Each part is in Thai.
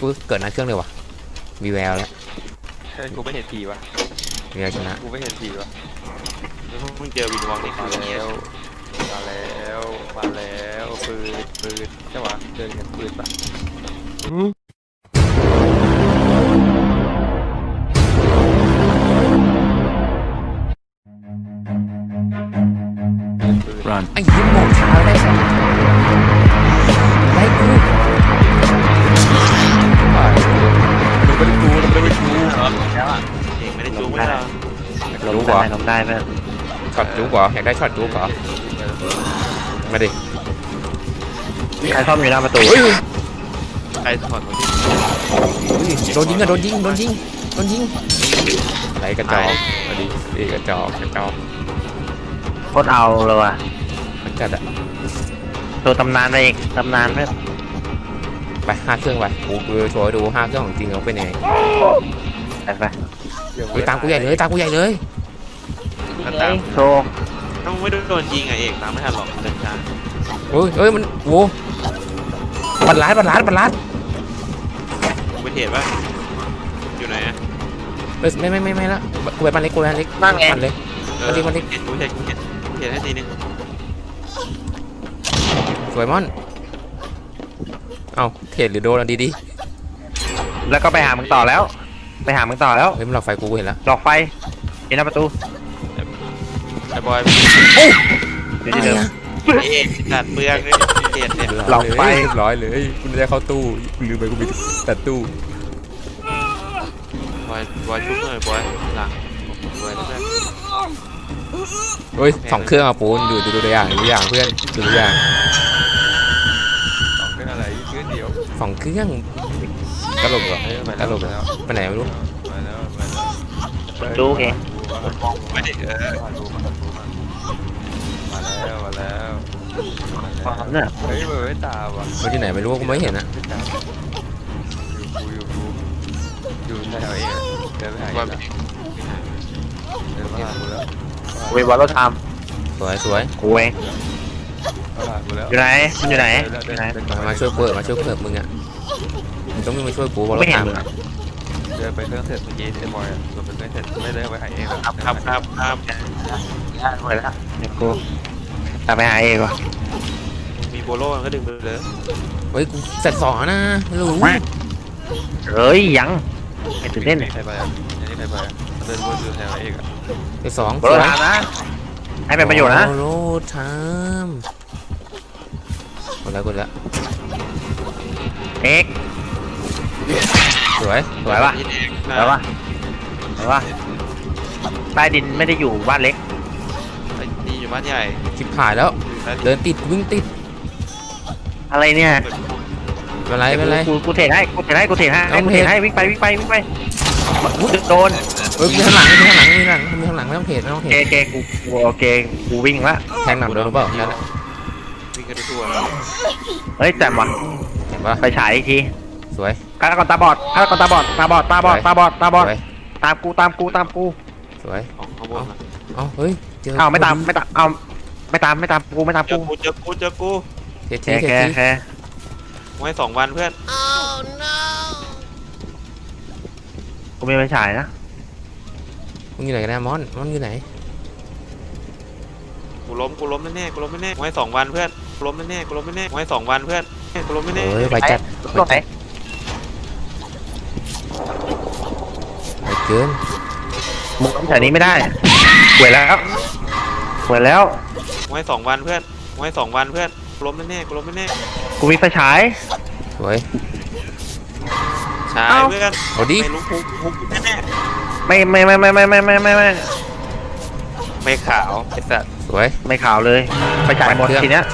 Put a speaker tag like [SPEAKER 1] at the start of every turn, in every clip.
[SPEAKER 1] กูเกิดหน้าเครื่องเลยวะมีแววแล้ว
[SPEAKER 2] กูไม่เห็นผีวะ
[SPEAKER 1] มีแววชนะ
[SPEAKER 2] กูไม่เห็นผีวะแล้วพวกมึงเจอวินวองในมาแล้วมาแล้วมาแล้วปืนใช่ปะเจอเห็นปืนปะ
[SPEAKER 1] ไอ้ยิ้มโมงเช้าได้ไงได้กูมันไม่ได้จู
[SPEAKER 2] แล้วอ่ะเองไม่ได้จูไม่ได้
[SPEAKER 1] จูกว่า
[SPEAKER 3] ลงได้เพื่อน
[SPEAKER 1] ช็อตจูกว่าอยากได้ช็อตจูกว่ามาดิ
[SPEAKER 3] ใครซ่อมอยู่หน้าประตู
[SPEAKER 2] ใครถอดมาดิ
[SPEAKER 1] โดนยิงอะโดนยิงไหลกระจอกมาดิกระจอก
[SPEAKER 3] โคตรเอาเลยว่ะ
[SPEAKER 1] มันจัดอะ
[SPEAKER 3] ตัวตำนานไปอีกตำนานเพื่อน
[SPEAKER 1] ไป5 เครื่องไปกูโชว์ดู5 เครื่องของจริงเขาเป็นยังไงไปตามกูใหญ่เลย
[SPEAKER 2] ตาม
[SPEAKER 3] โชว์
[SPEAKER 2] ต้องไม่โดนยิงอ่ะเอกตามไม่ทันหรอกเดินช้า
[SPEAKER 1] เฮ้ยมันโว้บัดลัด
[SPEAKER 2] ไปเทรดป่ะอยู่ไหนอ่ะ
[SPEAKER 1] ไม่ละกูไปบ้านเล็ก
[SPEAKER 3] นั่งไง
[SPEAKER 1] มันเล็กกูเทรด
[SPEAKER 2] ให้ทีนึง
[SPEAKER 1] สวยมอนเอาเทรดหรือโดนดี
[SPEAKER 3] แล้วก็ไปหามึงต่อแล้วเ
[SPEAKER 1] ฮ้ยมันหลอกไฟกูเห็นแล้ว
[SPEAKER 3] หลอกไฟเห็นหน้าประตู
[SPEAKER 2] ไอ้บอย
[SPEAKER 1] โอ้
[SPEAKER 3] เดี๋ยวเดิม
[SPEAKER 2] เอกตัดเปลืองเลยเทรดเนี่ย
[SPEAKER 1] หลอกไฟร้อยเลยกูจะเข้าตู้กูลืมไปกูมีแต่ตู้
[SPEAKER 2] บอยชุบเลยบอยหลังบอยแล้วกัน
[SPEAKER 1] เฮ้ย2 เครื่องอ่ะปูนดูตัวอย่างเพื่อนดูตัวอย่าง
[SPEAKER 2] 2 เครื่องอะไรเครื่องเดียว
[SPEAKER 1] 2 เครื่องตลกเหรอตลกเหรอไปไหนไม่รู้
[SPEAKER 3] ดูเอง
[SPEAKER 2] มาแล้ว
[SPEAKER 3] เนี่ย
[SPEAKER 2] เฮ้ยไม่ตามว่ะ
[SPEAKER 1] มันที่ไหนไม่รู้กูไม่เห็นนะ
[SPEAKER 2] อยู่แถวเองเดินไปหาเดินมาหากูแล้ว
[SPEAKER 3] เวบอลรถท
[SPEAKER 1] สวย
[SPEAKER 3] กูเองอยู่ไหนมันอยู่ไหน
[SPEAKER 1] มาช่วยเปิดมึงอ่ะมึงต้องมาช่วยกูบอลรถทำ
[SPEAKER 2] เดินไปเครื่องเสร็จเมื่อกี้เต็มบอยเดินไปเครื่องเสร็จไม่ได้ไปหาเองครับ
[SPEAKER 3] ไปแล้วเดี๋ยวกูตามไปหาเองก่อน
[SPEAKER 2] มีโบโล่ก็ดึงไปเลย
[SPEAKER 1] เฮ้ยกูเสร็จ2นะรู้
[SPEAKER 3] เฮ้ยยังไม่ตื่นเต้น
[SPEAKER 2] ใครไปอ่ะนี่ใครไปเดินวนดูแถวเองอ่ะ
[SPEAKER 1] ไป2
[SPEAKER 3] โบโลทามนะให้เป็นประโยชน์นะ
[SPEAKER 1] โบโลทามกดแล้ว
[SPEAKER 3] เอ็ก
[SPEAKER 1] สวย
[SPEAKER 3] ป่ะใต้ดินไม่ได้อยู่บ้านเล็ก
[SPEAKER 2] นี่อยู่บ้านใหญ่
[SPEAKER 1] ชิบหายแล้วเดินติดวิ่งติด
[SPEAKER 3] อะไรเนี่ย
[SPEAKER 1] เป็นไร
[SPEAKER 3] กูเทให้วิ่งไปโดน
[SPEAKER 1] มีข้างหลังไม่ต้องเทรด
[SPEAKER 3] กูวิ่งละ
[SPEAKER 1] แทงหนักโดนหรือเปล่านั่นแหละ
[SPEAKER 2] วิ่งกันทั่ว
[SPEAKER 3] เฮ้ยแจ่มว่ะไปฉายอีกที
[SPEAKER 1] สวย
[SPEAKER 3] ฆาตกรตาบอดตามกู
[SPEAKER 1] สวยเอาเฮ้ยเจอ
[SPEAKER 3] ไม่ตามกู
[SPEAKER 2] เจอกู
[SPEAKER 1] เท
[SPEAKER 2] ไว้2 วันเพื่อน
[SPEAKER 3] กูไม่ไปฉายนะ
[SPEAKER 1] มึงอยู่ไหนกันนะมอนอยู่ไหน
[SPEAKER 2] กูล้มแน่ไว้2 วันเพื่อนล้มแน่ไว้2 วันเพื่อนกูล้มแน่
[SPEAKER 1] เฮ้ยไปจัด
[SPEAKER 3] ไหน
[SPEAKER 1] ไปเกิน
[SPEAKER 3] มึงแถวนี้ไม่ได้หวยแล้ว
[SPEAKER 2] ไว้2 วันเพื่อนล้มแน่
[SPEAKER 3] กูมีไฟฉาย
[SPEAKER 1] สวย
[SPEAKER 2] ฉายเพื่อน
[SPEAKER 1] เอาดิ
[SPEAKER 2] ไม่รู้พุกแน่ไม่ขาวไอ้สัตว์
[SPEAKER 1] สวย
[SPEAKER 3] ไม่ขาวเลยไฟฉายหมดทีเนี้ย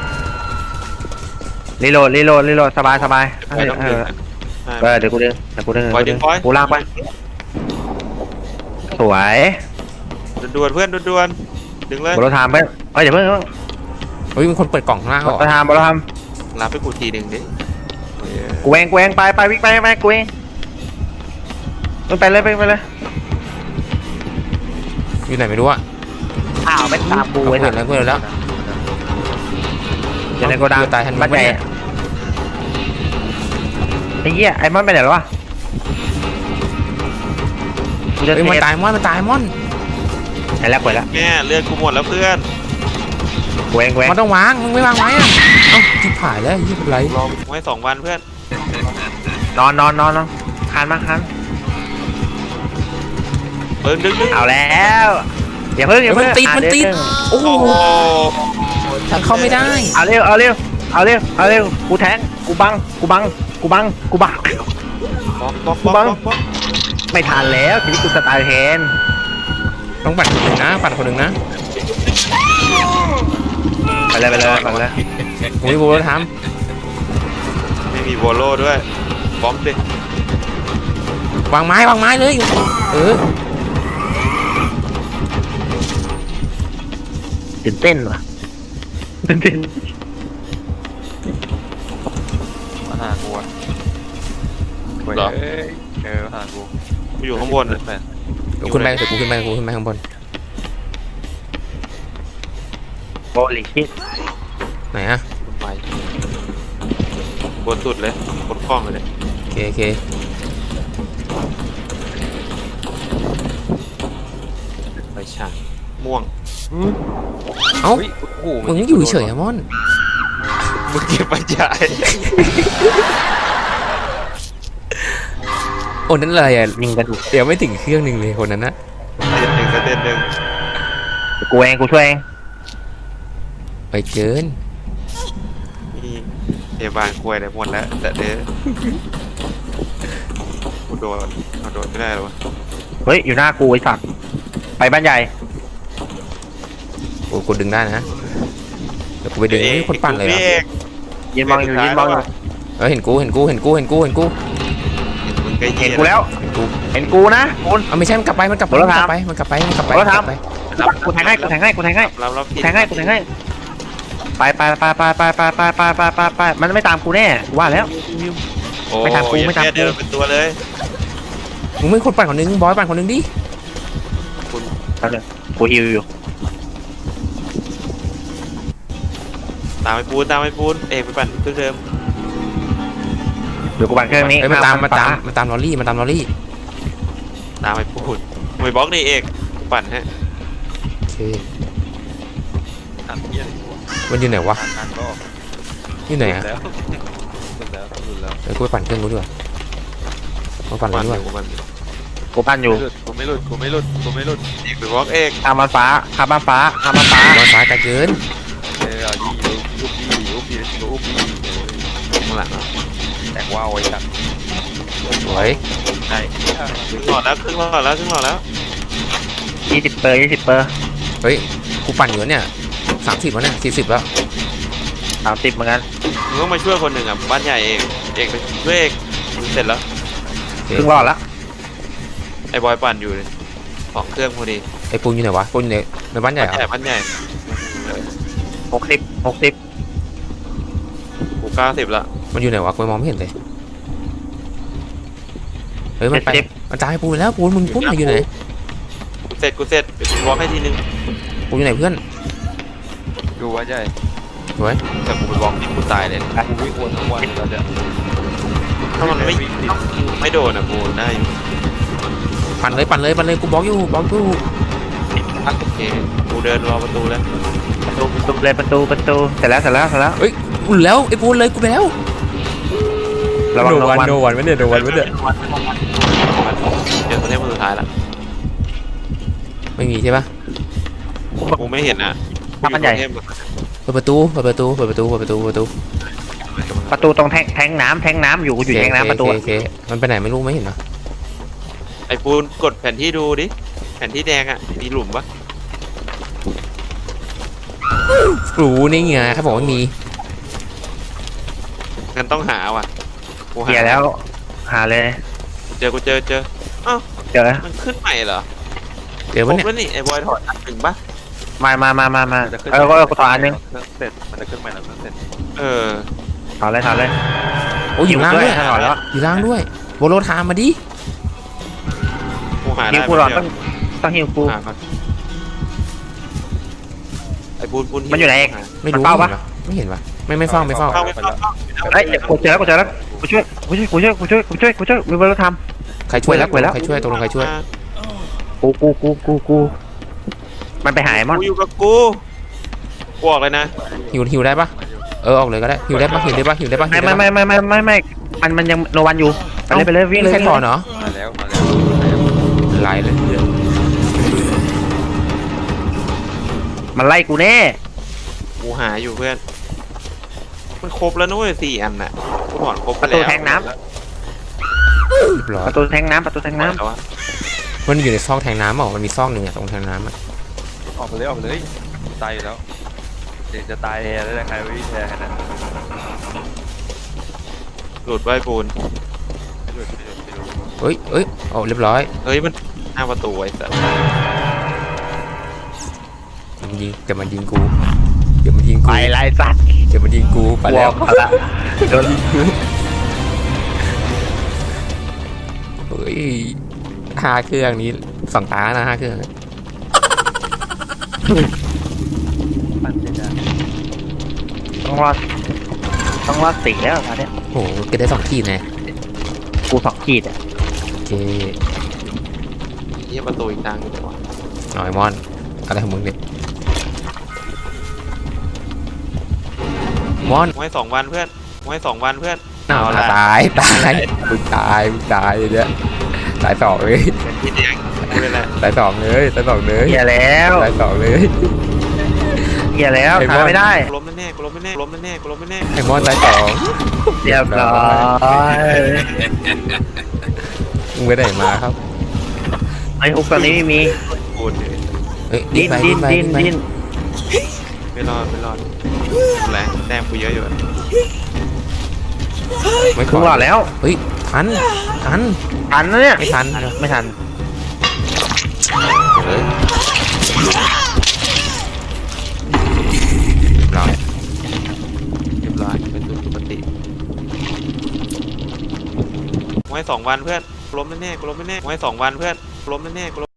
[SPEAKER 3] รีโหลดสบายเดี๋ยวกูดึงกูลากไปสวย
[SPEAKER 2] ด่วนเพื่อนด่วนดึงเลย
[SPEAKER 3] บอลทามไปเดี๋ยวเพิ่ง
[SPEAKER 1] เฮ้ยมีคนเปิดกล่องข้างล่าง
[SPEAKER 3] บอลทาม
[SPEAKER 2] รับไปกูทีนึงดิ
[SPEAKER 3] กูเองไปวิ่งไปกูเองไปเลย
[SPEAKER 1] อยู่ไหนไม่รู้อ่ะ
[SPEAKER 3] ไม่ตามกู
[SPEAKER 1] เห็นแล้ว
[SPEAKER 3] จะในโกดัง
[SPEAKER 1] ตายทันบ้านใหญ่
[SPEAKER 3] อ้เหี้ยไอ้มอนไปไหนแล้ววะกูจะ
[SPEAKER 1] เฮ้ย
[SPEAKER 3] เท
[SPEAKER 1] มัน
[SPEAKER 3] ป
[SPEAKER 1] ตายมันตายมอน
[SPEAKER 3] ไหนแล้วกดแล้ว
[SPEAKER 2] แม่เลือดกูหมดแล้วเพื่อน
[SPEAKER 3] กูเอง
[SPEAKER 1] มันต้องวางมึงไม่วางไว้อะเอ้าจิบหายแล้วยี่เป็นไร
[SPEAKER 2] รอไว้2 วันเพื่อน
[SPEAKER 3] นอนคานมาคาน
[SPEAKER 2] ดึง
[SPEAKER 3] เอาแล้วอย่าเพิ่ง
[SPEAKER 1] มันติดมันติดโอ้โห
[SPEAKER 2] โอ้โห
[SPEAKER 1] แต่เข้าไม่ได้
[SPEAKER 3] เอาเร็วกูแทงกูบัง
[SPEAKER 2] บล็อก
[SPEAKER 3] ไม่ทันแล้วทีนี้กูสตาร์เทน
[SPEAKER 1] ต้องปั่นคนหนึ่งนะปั่นคนหนึ่งนะ
[SPEAKER 3] ไปเลย
[SPEAKER 1] โอ้ยโบเราท
[SPEAKER 2] ไม่มีโวโล่ด้วยบอมสิ
[SPEAKER 1] ำวางไม้เลยเออ
[SPEAKER 3] ตื่นเต้นว่ะตื่นเต้น
[SPEAKER 2] มาหากูอ่ะเหรอมาหากูอยู่ข้างบนนะ
[SPEAKER 1] เดี๋ยวขึ้นไปกูขึ้นไปข้างบน
[SPEAKER 3] โบลิชิต
[SPEAKER 1] ไหนอะ
[SPEAKER 2] ไปบนสุดเลยบนกล้องเลย
[SPEAKER 1] โอเค
[SPEAKER 2] ไปฉากม่วง
[SPEAKER 1] เอ้า
[SPEAKER 2] โอ้โห
[SPEAKER 1] มึงอยู่เฉยอะมอน
[SPEAKER 2] มึงเก็บไปจ่าย
[SPEAKER 1] โอ้นั่นอะไรอะ
[SPEAKER 3] ยิงกระดูก
[SPEAKER 1] เดี๋ยวไม่ถึงเครื่องหนึ่งเลยคนนั้นนะ
[SPEAKER 2] เต้นหนึ่ง
[SPEAKER 3] กูเองกูช่วยเอง
[SPEAKER 1] ไปเกิน
[SPEAKER 2] นี่เอบานกล้วยได้หมดแล้วแต่เด้อกูโดนไม่ได้หรอวะ
[SPEAKER 3] เฮ้ยอยู่หน้ากูไอ้สัตว์ไปบ้านใหญ่
[SPEAKER 1] โอ้กูดึงได้นะเดี๋ยวกูไปดึงนี่คนปั่นเลยเหรอ
[SPEAKER 3] ยืนมองอยู่
[SPEAKER 1] เห็นกู
[SPEAKER 2] มึงก็
[SPEAKER 3] เห็น
[SPEAKER 2] เหี้
[SPEAKER 3] กู
[SPEAKER 2] ย
[SPEAKER 3] แล้ว
[SPEAKER 1] เห็นกู
[SPEAKER 3] เห็นกูนะกู
[SPEAKER 1] เอาไม่ใช่มันกลับไป
[SPEAKER 3] โทรศัพท์
[SPEAKER 1] มันกลับไป
[SPEAKER 3] กูแทงให้กูแทงให้
[SPEAKER 2] รับผิด
[SPEAKER 3] แทงให้ไปมันไม่ตามกูแน่ว่าแล้ว
[SPEAKER 2] โอ้
[SPEAKER 3] ไม่ตามกูไม่ตามกู
[SPEAKER 2] เดินเป็นตัวเลย
[SPEAKER 1] มึงไม่คนปั่นคนนึงบอยปั่นคนนึงดิ
[SPEAKER 3] กูฮิวอยู่
[SPEAKER 2] ตามไปปูนเอกไปปั่นเครื่องเดิม
[SPEAKER 3] เดี๋ยวกูปั่นเครื่องนี้
[SPEAKER 1] มันตามลอรี่
[SPEAKER 2] ตามไปปูนไปบล็อกนี่เอกปั่นฮะ
[SPEAKER 1] โอเคมันอยู่ไหนวะอยู่ไหนอะเดี๋ยวกูไปปั่นเครื่องกูด้วยมาปั่นเลยด้วย
[SPEAKER 3] กูปั่นอยู่
[SPEAKER 2] กูไม่หลุดเอกไปบล็อกเอก
[SPEAKER 3] ข้ามมันฟ้า
[SPEAKER 1] บอลฟ้าไกลเกิน
[SPEAKER 2] ข้างหลังแต่ว่าไว้จัด
[SPEAKER 1] สวย
[SPEAKER 2] ใช่ครึ่งหลอดแล้ว
[SPEAKER 3] 20 เปอร์
[SPEAKER 1] เฮ้ยกูปั่นอยู่เนี่ย30แล้วเนี่ย40แล้ว
[SPEAKER 3] 30เหมือนกัน
[SPEAKER 2] มึงต้องมาช่วยคนหนึ่งอ่ะบ้านใหญ่เอกไปช่วยเอกเสร็จแล้ว
[SPEAKER 3] ครึ่งรอดละ
[SPEAKER 2] ไอ้บอยปั่นอยู่เลย2 เครื่องพอดี
[SPEAKER 1] ไอ้ปูนอยู่ไหนวะปูนอยู่ในบ้านใหญ่เหรอ
[SPEAKER 2] บ้านใหญ่
[SPEAKER 3] 60
[SPEAKER 2] กู90ละ
[SPEAKER 1] มันอยู่ไหนวะกูมองไม่เห็นเลยเฮ้ยมันไปมันจ่ายปูนแล้วปูนมึงปูนอยู่ไหน
[SPEAKER 2] กูเสร็จเดี๋ยวกูบล็อกให้ทีนึง
[SPEAKER 1] ปูนอยู่ไหนเพื่อน
[SPEAKER 2] ดูว่าใหญ่
[SPEAKER 1] สวย
[SPEAKER 2] แต่กูไปบล็อกที่กูตายเลยกูวิ่งวนทั้งวันเราจะถ้ามันไม่โดนอ่ะกูได้อยู่
[SPEAKER 1] ปั่นเลยกูบล็อกอยู่
[SPEAKER 2] โอเคกูเดินรอประตูแล้ว
[SPEAKER 3] ประตูเสร็จแล้ว
[SPEAKER 1] เฮ้ยกูแล้วไอ้ปูนเลยกูไปแล้ว
[SPEAKER 3] ระวัง
[SPEAKER 1] โดนวันไม่เนี่ย
[SPEAKER 2] เดี๋ยวตัวนี้มันสุดท้ายละ
[SPEAKER 1] ไม่มีใช่ปะ
[SPEAKER 2] กูไม่เห็นอ่ะ
[SPEAKER 3] ถ้ามันใหญ่
[SPEAKER 1] เปิดประตู
[SPEAKER 3] ประตูตรงแทงน้ำอยู่กูอยู่แทงน้ำประตู
[SPEAKER 1] โอเคมันไปไหนไม่รู้ไม่เห็นนะ
[SPEAKER 2] ไอ้ปูนกดแผนที่ดูดิแผนที่แดงอ่ะมีหลุมปะ
[SPEAKER 1] รู้นี่ไงเขาบอกว่ามี
[SPEAKER 2] งั้นต้องหาว่ะกู
[SPEAKER 3] เกียร์แล้วหาเลย
[SPEAKER 2] เจออ้าว
[SPEAKER 3] เจอ
[SPEAKER 2] มันขึ้นใหม่เหรอ
[SPEAKER 1] เดี๋ยว
[SPEAKER 2] คร
[SPEAKER 1] มัน
[SPEAKER 2] บ
[SPEAKER 1] เนี่ย
[SPEAKER 2] แล้วนี่ไอ้บอยถอดอันหนึ่งปะ
[SPEAKER 3] มากูต่ออันนึง
[SPEAKER 2] เสร็จมันจะขึ้นใหม่แล้วเสร็จเ
[SPEAKER 3] ถอดเลย
[SPEAKER 1] โอ้ยอยู่ล่างด้วย
[SPEAKER 3] ถอดแล้ว
[SPEAKER 1] อยู่ล่างด้วยโบโลทามมาดิ
[SPEAKER 2] กูหา
[SPEAKER 3] ฮิ
[SPEAKER 2] ได้
[SPEAKER 3] วกูหรอต้องฮิวกู
[SPEAKER 2] หาก่อนไอ้ปูน
[SPEAKER 3] มันอยู่ไหนเอง
[SPEAKER 1] ไม่รู้
[SPEAKER 3] มันเฝ้าปะ
[SPEAKER 1] ไม่เห็นปะไม่เฝ้า
[SPEAKER 2] เข้า
[SPEAKER 3] เฮ้ยกูเจอแล้ว
[SPEAKER 2] กู
[SPEAKER 3] กูช่วยมีเวลาท
[SPEAKER 1] ใครช่วย
[SPEAKER 3] ไว้แล้ว
[SPEAKER 1] ใครช่วยตกลงใครช่วย
[SPEAKER 3] ำกูมันไปหายมอน
[SPEAKER 2] กูอยู่กับกูบอกเลยนะ
[SPEAKER 1] หิวได้ปะออกเลยก็ได้หิวได้ปะหิวได้ปะหิวได้ปะ
[SPEAKER 3] ไม่มันยังโนวันอยู่ไปเลยวิ่งเลย
[SPEAKER 1] ใครถอนเนาะ
[SPEAKER 2] มาแล้ว
[SPEAKER 1] ไล่เลย
[SPEAKER 3] มันไล่กูแน่
[SPEAKER 2] กูหาอยู่เพื่อนมันครบแล้วนุ้ย4 อันน่ะกูถอนครบไป
[SPEAKER 3] ประ
[SPEAKER 2] แล้ว
[SPEAKER 3] ตูแทงน้
[SPEAKER 1] เรียบร้อ
[SPEAKER 3] ำ
[SPEAKER 1] ย
[SPEAKER 3] ประตูแทงน้ำ
[SPEAKER 2] แล้วอะ
[SPEAKER 1] มันอยู่ในซอกแทงน้ำเปล่ามันมีซอกหนึ่งอะตรงแทงน้ำอะ
[SPEAKER 4] ออกไปเลยตายอยู่แล้วเดี๋ยวจะตายแล้วใครไม่แพ้นะ
[SPEAKER 2] หลุดไว้ปูน
[SPEAKER 1] เฮ้ยเรียบร้อย
[SPEAKER 2] เฮ้ยมันหน้าประตูไอ้สัส
[SPEAKER 1] มันยิงแต่มันยิงกูเดี๋ยวมันยิง
[SPEAKER 3] ไป
[SPEAKER 1] กู
[SPEAKER 3] ไล่สัตว์
[SPEAKER 1] เดี๋ยวมันยิงกูไปแล้ว
[SPEAKER 3] เอาละโดน
[SPEAKER 1] เฮ้ย5 เครื่องนี้2 ตานะ5 เครื่อง
[SPEAKER 4] ปั่นเสร็จแล้ว
[SPEAKER 3] ต้องรอด4แล้วตอนเนี้ย
[SPEAKER 1] โอ้โหเก็บได้2 ขีดไง
[SPEAKER 3] กู2 ขีดอ่ะ
[SPEAKER 1] โอเค
[SPEAKER 2] เยี่ยประตูอีกทางหนึงดีกว่า
[SPEAKER 1] หน่อยมอนอะไรของมึงเนี่ยมอน
[SPEAKER 2] ไว้2 วันเพื่อนไว้2 วันเพื่อน
[SPEAKER 1] เอาละตายมึงตายเนี่ยตาย2เลย
[SPEAKER 2] เป็นที่แดงกูเลยแหละ
[SPEAKER 1] ตาย2เลยตาย2เลย
[SPEAKER 3] เหี้ยแล้ว
[SPEAKER 1] ตาย2เลย
[SPEAKER 3] เหี้ยแล้ว
[SPEAKER 1] ไอ้บอล
[SPEAKER 3] ทำไม่ได้
[SPEAKER 2] กูล้มแน่ๆกูล้มแน่ๆกูล้มแน่ๆกูล้มแน่
[SPEAKER 1] ไอ้มอนตาย2
[SPEAKER 3] เรียบร้อย
[SPEAKER 1] มึงไปไหนมาครับ
[SPEAKER 3] ไอ้ฮุกตอนนี้ไม่มี
[SPEAKER 2] ๆปูนเลย
[SPEAKER 1] เอ้ย
[SPEAKER 3] ดิ้น
[SPEAKER 1] ไป
[SPEAKER 2] ไม่รอดแรงแต้มกูเยอะอยู่อะ
[SPEAKER 1] ไม่
[SPEAKER 3] ถึงหลอดแล้ว
[SPEAKER 1] เฮ้ยทัน
[SPEAKER 3] ทันนะเนี่ย
[SPEAKER 1] ไม่ทัน
[SPEAKER 3] ไม่ทัน
[SPEAKER 1] เฮ้ยร้อย
[SPEAKER 2] เรียบร้อยเป็นตัวปกติไว้2 วันเพื่อนกูล้มแน่ๆกูล้มแน่ๆไว้2 วันเพื่อนกูล้มแน่ๆกูล้ม